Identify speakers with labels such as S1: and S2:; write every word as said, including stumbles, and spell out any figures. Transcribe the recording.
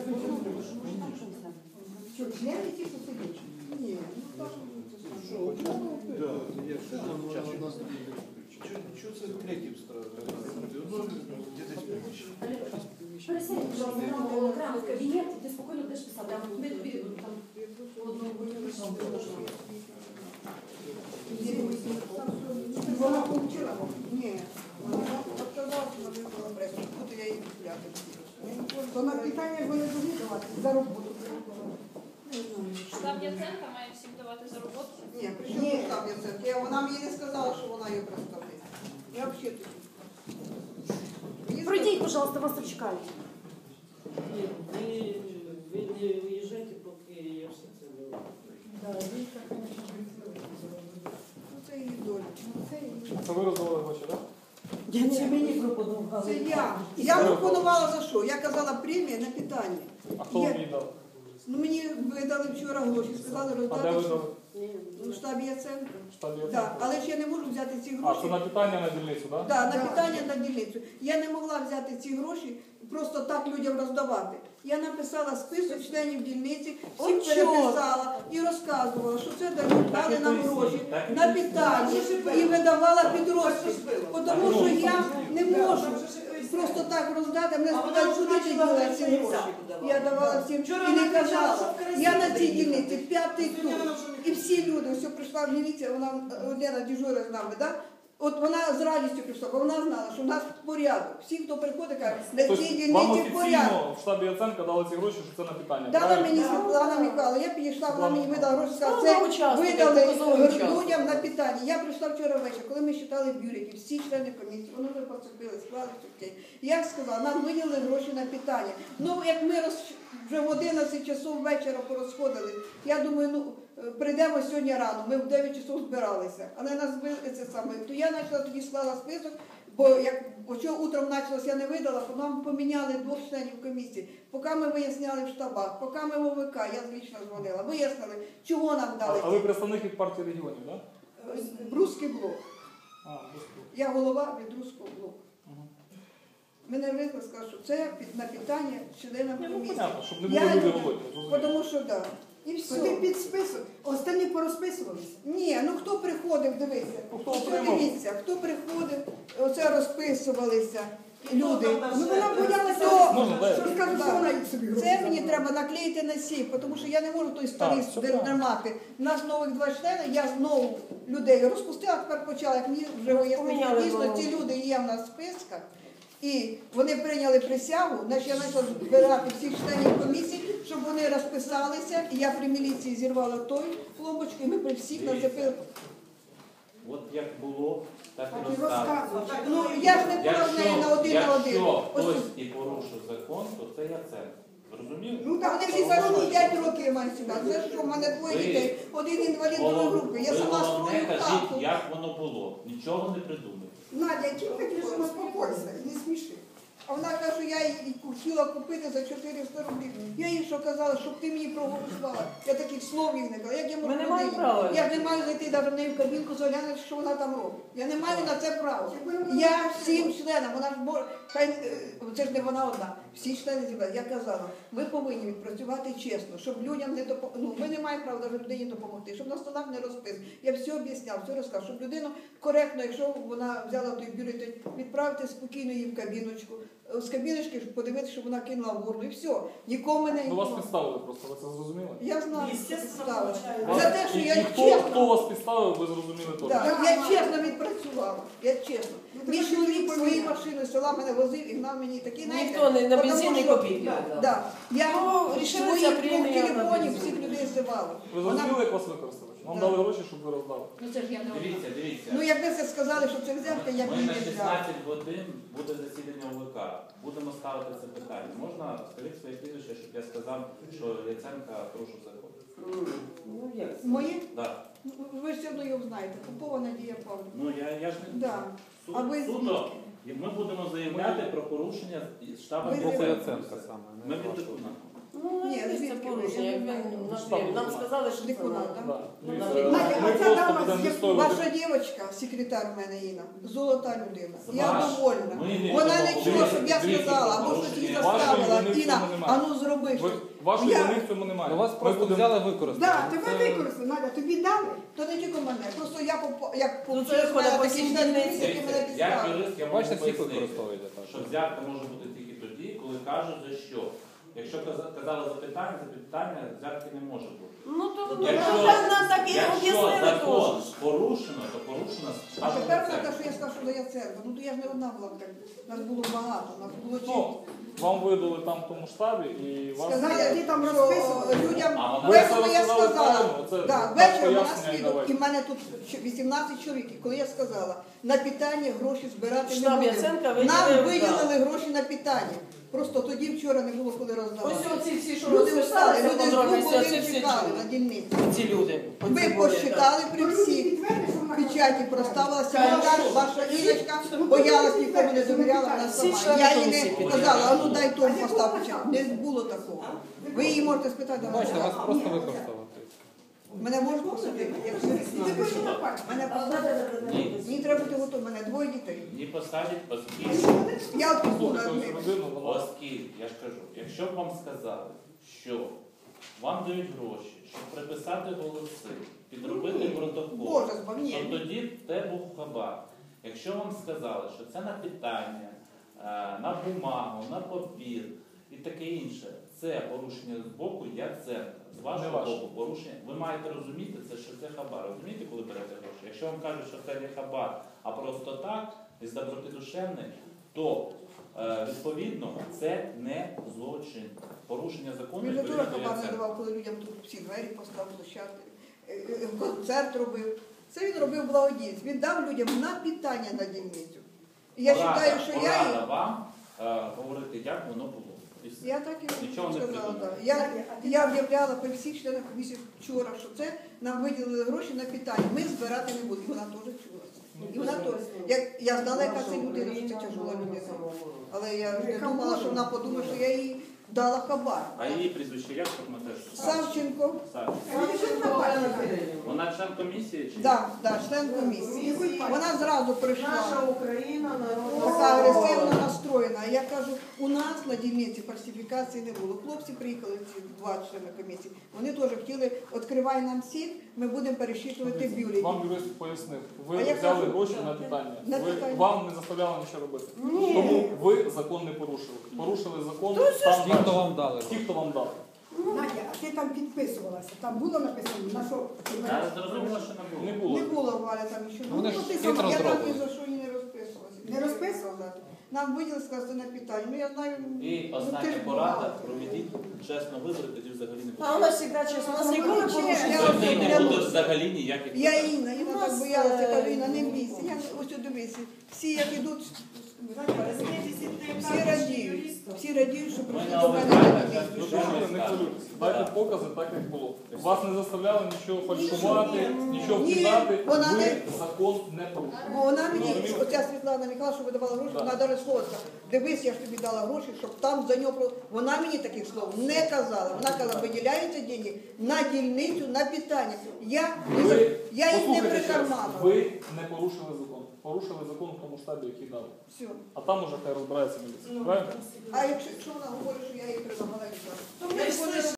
S1: Що, члены ті посидять? Ні, ну так.
S2: Що це третій
S3: Пересядь, пожалуйста, окремо в кабінет, і ти спокійно будеш писати. А ми тобі там одну вийшов.
S1: Вона получила? Ні. Вона отказалася, вона вибрала пресу. Буду я її купляти. То на питання вони повинні давати за роботу.
S4: Штаб Яценка має всім давати за роботу?
S1: Ні, при чому штаб Яценка? Вона мені не сказала, що вона її представляє. Я взагалі тут.
S3: Пройдіть, пожалуйста, вас тут чекають.
S5: Ні, ви, ви не виїжджайте, поки я все це не
S1: Ну це її доля.
S6: Це ви роздавали гроші, так?
S5: Я це мені пропонувала.
S1: Це я. Я пропонувала за що? Я казала премія на питання.
S6: А хто вам її дав?
S1: Ну мені видали вчора гроші, сказали
S6: А де
S1: роздати
S6: ви
S1: що-
S6: дали?
S1: ну, в штабі Яценка.
S6: Штабі
S1: Так,
S6: Яценка?
S1: але ж я не можу взяти ці
S6: А,
S1: гроші.
S6: це на питання на дільницю, так?
S1: Да, на питання на дільницю. Я не могла взяти ці гроші, просто так людям роздавати. Я написала список членів дільниці, всіх переписала і розказувала, що це дають, дали нам гроші на питання і видавала під розпис. Тому що я не можу просто так роздати, мене спитають, куди ти діла ці гроші. Я давала всім і не казала. Я на цій дільниці п'ятий тур. І всі люди, ось прийшла міліція, вона Лена дежура з нами, так? От вона з радістю прийшла, бо вона знала, що в нас порядок. Всі, хто приходить, кажуть, на цій
S6: Тобто
S1: дільниці
S6: вам
S1: порядок.
S6: офіційно в штабі Яценка дали ці гроші, що це на питання,
S1: Дала
S6: правильно?
S1: мені Світлана Михайловна, я підійшла, вона мені видала гроші, сказала,
S5: Слава
S1: це
S5: учасникам,
S1: видали
S5: показовий учасник.
S1: людям на питання. Я прийшла вчора ввечері, коли ми читали бюлетені, всі члени комісії, вони вже поцепили, склали все. Я сказала, нам виділили гроші на питання. Ну, як ми роз... вже в одинадцять часов вечора порозходили, я думаю, ну, прийдемо сьогодні рано, ми в дев'ять часов збиралися, але нас збили це саме. То я почала тоді склала список, бо як чого утром почалось, я не видала, то нам поміняли двох членів комісії. Поки ми виясняли в штабах, поки ми в ОВК, я лично дзвонила, вияснили, чого нам дали.
S6: А ви представник від партії регіонів, так?
S1: Руський блок.
S6: А, Руський.
S1: Я голова від Руського блоку. Мене викликали, сказали, що це під- на питання членам
S6: Ну,
S1: комісії.
S6: понятно, щоб не
S1: Я
S6: було люди
S1: йду,
S6: володіти.
S1: Тому що так. Да. І все.
S7: Ти під список, останні порозписувалися.
S1: Ні, ну хто приходив, дивися.
S6: Хто
S1: Ось
S6: отримав?
S1: дивіться, хто приходив, оце розписувалися люди.
S7: Ну вона боялася,
S1: То-
S6: Можна, дай.
S7: що скажуть, що вона їх собі
S1: Це мені треба наклеїти на сейф, тому що я не можу той старий
S6: Так, все правильно.
S1: тримати. У нас нових два члени, я знову людей розпустила, тепер почала, як мені вже вияснили,
S5: Поміняли
S1: дійсно
S5: голову.
S1: ці люди є в нас в списках. І вони прийняли присягу, значить я почала збирати всіх членів комісії, щоб вони розписалися. І я при міліції зірвала той клубочку, і ми при всіх нацепили.
S8: От як було, так
S7: Так
S8: і
S7: і
S8: розказує.
S7: розказує.
S1: Ну я ж не була в неї на
S8: Якщо,
S1: один на один.
S8: якщо
S1: Ось
S8: хтось і порушив закон, то це Яценко. Зрозумів?
S1: ну так вони всі за що п'ять років мають сюди. Це що, в мене двоє
S8: Ви-
S1: дітей, один інвалід другої групи. Я
S8: Ви
S1: сама
S8: головне
S1: строю
S8: кажіть,
S1: хату.
S8: як воно було. Нічого не придумайте.
S7: Надя, яким хотів, що успокойся, не сміши.
S1: А вона каже, що я її хотіла купити за чотириста рублів. Я їй що казала, щоб ти мені проголосувала. Я таких слов їй не казала. Як я можу
S5: Ми не
S1: туди
S5: маємо
S1: їй?
S5: права.
S1: Я ж не маю зайти навіть в неї в кабінку, заглянути, що вона там робить. Я не маю на це права. Я всім членам, вона ж може, хай е, це ж не вона одна. Всі члени зібрали. Я казала, ми повинні відпрацювати чесно, щоб людям не допомогти. Ну, ми не маємо права навіть людині допомогти, щоб на столах не розпис. Я все об'ясняв, все розказав, щоб людину коректно, якщо вона взяла той бюлетень, відправити спокійно її в кабіночку. З кабіночки подивитися, щоб вона кинула в урну, і все. Нікому не
S6: Ну вас підставили просто, ви це зрозуміли?
S1: Я знаю, що
S5: Естественно,
S1: підставили.
S5: получається.
S1: За те, що
S6: І-
S1: я
S6: і хто,
S1: чесно.
S6: хто вас підставив, ви зрозуміли точно.
S1: Так, я чесно відпрацювала. Я чесно.
S7: Ну,
S1: Мій
S7: так
S1: чоловік
S7: що
S1: своєю
S7: ви
S1: машиною з села мене возив і гнав мені такі знаєте,
S5: Ніхто не на
S1: потому
S5: бензин
S1: що-
S5: копійки не дав.
S1: Да. Я
S5: Ну, рішили
S1: своїх
S5: ця
S1: двох
S5: премія на
S1: телефонів
S5: бензин.
S1: всіх людей зивала.
S6: Ви зрозуміли, як вас використали? Вам
S1: Да.
S6: дали гроші, щоб ви роздали.
S3: Ну це ж я не одна.
S8: Дивіться, дивіться.
S1: Ну якби це сказали, що це взятка, я б
S8: Ми
S1: її
S8: на
S1: не взяла.
S8: шістнадцять годин буде засідання ОВК. Будемо ставити це питання. Можна скажіть своє прізвище, щоб я сказав, що Яценка порушив закон?
S5: Ну як? це?
S1: Моє?
S8: Да.
S1: Ну, ви ж все одно його знаєте. Попова Надія Павлівна.
S8: Ну я, я ж не
S1: Да.
S8: Суд,
S1: А ви
S8: суто, і ми будемо заявляти про порушення з штабом
S1: Ви
S8: Яценка.
S6: Яценка саме,
S8: Ми від депутата.
S3: Ну,
S1: Ні,
S3: це
S1: звідки
S3: порушення.
S1: ви?
S3: Як він назвів. Нам сказали, що це
S1: Декунат,
S3: надо.
S1: так?
S6: Да.
S3: Ну,
S6: Дивіться,
S3: Надя,
S6: ми
S7: а ця
S6: просто
S7: дама
S6: будемо
S7: з
S6: відстоювати.
S1: Ваша дівчинка, секретар в мене Інна, золота людина. Я
S8: Ваш.
S1: довольна.
S8: Ми не
S1: Вона
S8: будемо
S1: не чула, щоб я
S8: говорити,
S1: сказала, або
S8: порушення.
S1: щось їй
S6: Вашої
S1: заставила.
S6: вини в
S1: Інна,
S6: цьому немає.
S1: а ну зроби
S6: Ви,
S1: щось.
S6: вашої
S1: Я-
S6: вини в цьому немає.
S2: Ну, вас
S6: Ми
S2: просто
S6: будемо-
S2: взяли використали.
S7: Да, тебе
S6: Це-
S7: використали, Надя, тобі дали.
S1: То не тільки мене. Просто я поп- як
S3: Ну, це
S1: получила
S3: виходить по
S1: такі
S3: всім
S1: члени
S3: дільницям.
S1: комісії, які мене
S8: Дивіться, як
S1: підставили.
S8: юрист, я можу
S2: Бачите, всіх
S8: пояснити,
S2: використовуєте так.
S8: що взятка може бути тільки тоді, коли кажуть за що. Якщо каза- казали запитання, запитання взятки не може бути.
S3: Ну, то ну,
S8: Якщо-
S3: вже нам так і
S8: Якщо
S3: об'яснили
S8: закон
S3: теж.
S8: порушено, то порушено
S1: А
S8: штатна
S1: тепер
S8: церква.
S1: те, що я скажу, що я церква. Ну то я ж не одна була, так. Нас було багато, нас було
S6: Ну,
S1: чітко.
S6: вам видали там в тому штабі і вам...
S1: Сказали,
S7: ти там
S1: що
S7: розписувала?
S1: людям
S8: А вона-
S6: Ви це
S1: ввечері я
S6: розказали
S1: сказала.
S6: правильно, це
S1: Да,
S6: так
S1: ввечері вона
S6: пояснення
S1: свідок,
S6: давайте.
S1: і в мене тут ще вісімнадцять чоловік. І коли я сказала, на питання гроші збирати не
S3: Штаб
S1: будемо.
S3: Яценка
S1: Нам
S3: виділив,
S1: виділили гроші на питання. Просто тоді вчора не було коли роздавати.
S3: Ось оці всі, що
S1: Люди
S3: розписалися,
S1: встали, люди з двох
S3: подробиці, оці
S1: годин
S3: всі
S1: чекали
S3: чули.
S1: на дільниці.
S3: Ці люди. оці
S1: Ми
S3: були,
S1: посчитали при
S7: Ну, люди
S1: всіх.
S7: підтвердять, що вона
S1: Печаті проставила секретар, ваша Іночка, боялась, нікому не довіряла, вона
S3: Всі
S1: сама.
S3: члени
S1: Я їй
S3: комісії
S1: не
S3: підтримали.
S1: казала, а ну дай тому постав печать. Не було такого. Ви її можете спитати, вона
S2: Бачите, вас
S1: сказала.
S2: просто використали.
S1: Мене можуть посадити? Якщо
S7: Ти хочеш на пальці?
S1: мене посадять.
S8: Ні,
S1: Мені треба бути готові, мене двоє дітей.
S8: не посадять, оскільки,
S1: Я от
S6: Слухайте
S1: посуду
S6: ось
S1: одну.
S6: родину, вона...
S8: оскільки, я ж кажу, якщо б вам сказали, що вам дають гроші, щоб приписати голоси, підробити протокол,
S1: Боже, збав,
S8: то
S1: ні.
S8: тоді те був хабар. Якщо вам сказали, що це на питання, е, на бумагу, на папір і таке інше, це порушення з боку Яценка. З
S6: Не
S8: вашого
S6: ваше.
S8: боку порушення. Ви маєте розуміти, це, що це хабар. Розумієте, коли берете гроші? Якщо вам кажуть, що це не хабар, а просто так, із доброти душевної, то е, відповідно це не злочин. Порушення закону
S1: Він не дуже
S8: відповідно до
S1: хабар не
S8: Яценка.
S1: давав, коли людям тут всі двері поставив площадки, е, е, концерт робив. Це він робив благодійність. Він дав людям на питання на дільницю. І я
S8: Порада-
S1: вважаю, що я
S8: порада
S1: їй...
S8: вам е, говорити, як воно було. І все.
S1: Я так і
S8: Нічого не
S1: сказала.
S8: придумали.
S1: Да. Я, я об'являла при всіх членах комісії вчора, що це нам виділили гроші на питання. Ми збирати не будемо. І вона теж чула це. І вона теж. Я, я знала, яка це людина, що це тяжела людина. Але я не думала, що вона подумає, що я їй дала хабар.
S8: А її прізвище як щоб ми теж?
S1: Савченко,
S8: Савченко. Вона член комісії чи?
S1: да, да, член комісії. Вона зразу прийшла.
S7: Україна,
S1: Така агресивно настроєна. А я кажу, у нас на дільниці фальсифікації не було. Хлопці приїхали, ці два члени комісії. Вони теж хотіли, відкривай нам сіть, ми будемо пересчитувати бюлетні.
S6: Вам юрист пояснив, ви
S1: А я
S6: взяли
S1: кажу,
S6: гроші на питання.
S1: на
S6: Ви,
S1: питання.
S6: вам не заставляли нічого робити.
S1: Ні.
S6: Тому ви закон не порушили. Порушили закон там
S2: Ті, хто
S6: далі.
S2: вам дали.
S6: Ті, хто вам дав.
S7: Надя, а ти там підписувалася? Там було написано, на що?
S8: Я зрозуміла, що не
S6: Не
S8: було.
S6: було.
S1: Не було Валя там нічого.
S2: Ну, вони ж
S1: ти
S2: хитро
S1: сама, я там
S2: зроблені.
S1: ні за що і не розписувалася.
S7: Не розписувала?
S1: Нам виділи сказати на питання. Ну я знаю,
S8: І
S1: ну, ти
S8: остання
S1: ж
S8: порада,
S1: бухгалтер.
S8: проведіть чесні вибори, тоді взагалі не
S3: А у
S8: буде.
S3: нас завжди чесно, у нас ніколи
S1: Я-
S3: порушень.
S1: я-
S8: Тоді не
S1: я-
S8: буде взагалі ніяких
S1: Я
S8: питань.
S1: Інна, Інна
S3: У
S1: так
S3: нас,
S1: боялася,
S3: е,
S1: кажу, Інна, не бійся. Я ось от дивися. Всі як ідуть, всі радіють. Всі радіють, що
S8: Ми
S1: прийшли
S8: на
S1: до мене
S8: ОВК
S1: на
S8: зараз
S1: комісію.
S8: дуже
S6: Що ви не хвилюйтесь? Дайте покази так, як було. Вас не заставляли нічого фальшувати, нічого
S1: Ні,
S6: вкидати.
S1: вона
S6: Ви
S1: не-
S6: закон не порушили.
S1: Бо вона мені,
S6: Розумієте?
S1: оця Світлана Михайловна, що видавала гроші,
S6: Так.
S1: вона навіть слово сказала, дивись, я ж тобі дала гроші, щоб там за нього... про-». Вона мені таких слов не казала. Вона казала, виділяються деньги на дільницю, на питання. Я, не за-
S6: Ви,
S1: я їх не
S6: послухайте ще раз,
S1: прикарманила.
S6: ви не порушили закон. Порушили закон в тому штабі, який дали.
S1: Все.
S6: А там уже хай розбирається міліція. Правильно?
S1: А якщо, якщо вона говорить, що я їй предлагала, я
S3: То ми ж